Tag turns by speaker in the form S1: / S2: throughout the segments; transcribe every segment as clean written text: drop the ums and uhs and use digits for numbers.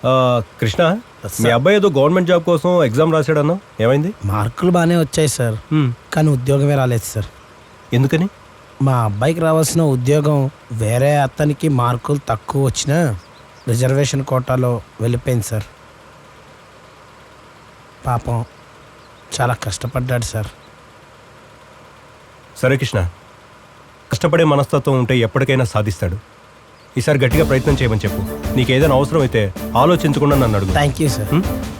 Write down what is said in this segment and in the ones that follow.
S1: కృష్ణ, మీ అబ్బాయి ఏదో గవర్నమెంట్ జాబ్ కోసం ఎగ్జామ్ రాశాడన్నా, ఏమైంది?
S2: మార్కులు బాగానే వచ్చాయి సార్, కానీ ఉద్యోగమే రాలేదు సార్.
S1: ఎందుకని?
S2: మా అబ్బాయికి రావాల్సిన ఉద్యోగం వేరే అతనికి మార్కులు తక్కువ వచ్చినా రిజర్వేషన్ కోటాలో వెళ్ళిపోయింది సార్. పాపం చాలా కష్టపడ్డాడు సార్.
S1: సరే కృష్ణ, కష్టపడే మనస్తత్వం ఉంటే ఎప్పటికైనా సాధిస్తాడు. ఈసారి గట్టిగా ప్రయత్నం చేయమని చెప్పు. నీకేదైనా అవసరం అయితే ఆలోచించకుండా నన్ను అడుగు.
S2: Thank you sir.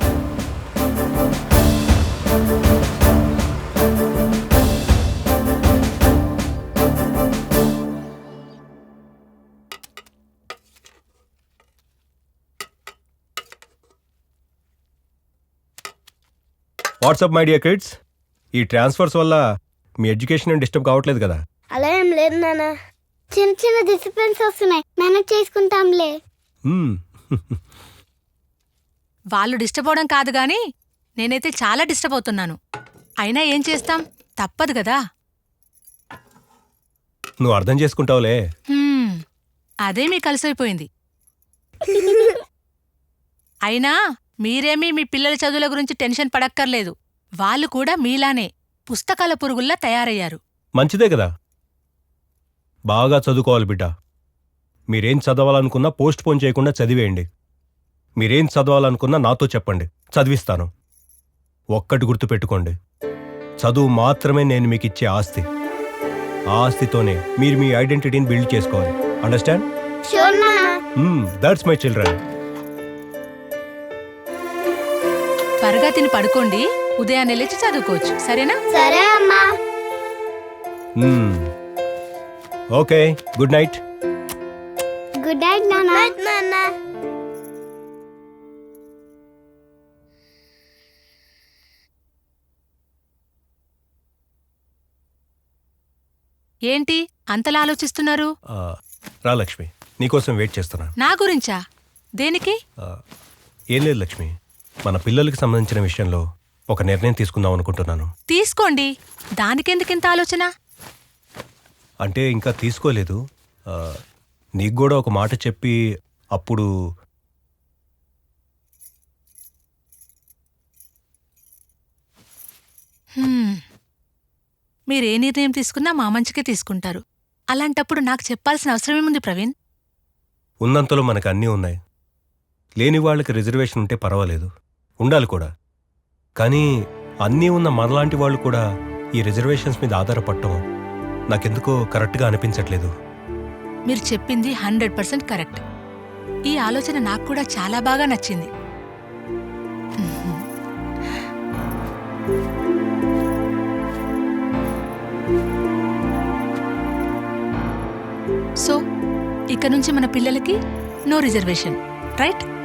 S1: What's up my dear kids, ఈ ట్రాన్స్ఫర్స్ వల్ల మీ ఎడ్యుకేషన్ డిస్టర్బ్ కావట్లేదు కదా?
S3: అలా ఏం లేదు నాన్న, చిన్న చిన్న డిసిప్లిన్స్ వస్తున్నాయి, మేనేజ్ చేసుకుంటాంలే.
S4: వాళ్ళు డిస్టర్బ్ అవడం కాదు గాని నేనైతే చాలా డిస్టర్బ్ అవుతున్నాను. అయినా ఏం చేస్తాం, తప్పదు కదా.
S1: నువ్వు అర్థం చేసుకుంటావులే.
S4: అదే మీ కలిసైపోయింది. అయినా మీరేమీ మీ పిల్లల చదువుల గురించి టెన్షన్ పడక్కర్లేదు. వాళ్ళు కూడా మీలానే పుస్తకాల పురుగుల్లా తయారయ్యారు.
S1: మంచిదే కదా. బాగా చదువుకోవాలి బిడ్డ. మీరేం చదవాలనుకున్నా పోస్ట్ పోన్ చేయకుండా చదివేయండి. మీరేం చదవాలనుకున్నా నాతో చెప్పండి, చదివిస్తాను. ఒక్కటి గుర్తుపెట్టుకోండి, చదువు మాత్రమే నేను మీకు ఇచ్చే ఆస్తి. ఆ ఆస్తితోనే మీరు మీ ఐడెంటిటీని బిల్డ్ చేసుకోవాలి. అండర్స్టాండ్? That's my children.
S4: త్వరగా తిని పడుకోండి, ఉదయాన్నే లేచి చదువుకోవచ్చు. సరేనా?
S3: సరే అమ్మా.
S1: Okay, good night.
S3: Good night నాన్న.
S4: ఏంటి అంతలా ఆలోచిస్తున్నారు?
S1: రా లక్ష్మి, నీకోసం వెయిట్ చేస్తున్నా.
S4: నా గురించా? దేనికి?
S1: ఏం లేదు లక్ష్మి, మన పిల్లలకి సంబంధించిన విషయంలో ఒక నిర్ణయం తీసుకుందాం అనుకుంటున్నాను.
S4: తీసుకోండి, దానికెందుకింత ఆలోచన?
S1: అంటే ఇంకా తీసుకోలేదు. నీకు కూడా ఒక మాట చెప్పి అప్పుడు
S4: మీరే నిర్ణయం తీసుకున్నా మా మంచికే తీసుకుంటారు. అలాంటప్పుడు నాకు చెప్పాల్సిన అవసరమేముంది ప్రవీణ్?
S1: ఉన్నంతలో మనకు అన్నీ ఉన్నాయి. లేని వాళ్ళకి రిజర్వేషన్ ఉంటే పర్వాలేదు, ఉండాలి కూడా. కానీ అన్నీ ఉన్న మనలాంటి వాళ్ళు కూడా ఈ రిజర్వేషన్స్ మీద ఆధారపడటం నాకెందుకో కరెక్ట్గా అనిపించట్లేదు.
S4: మీరు చెప్పింది 100% కరెక్ట్. ఈ ఆలోచన నాకు కూడా చాలా బాగా నచ్చింది. సో ఇక నుంచి మన పిల్లలకి నో రిజర్వేషన్, రైట్?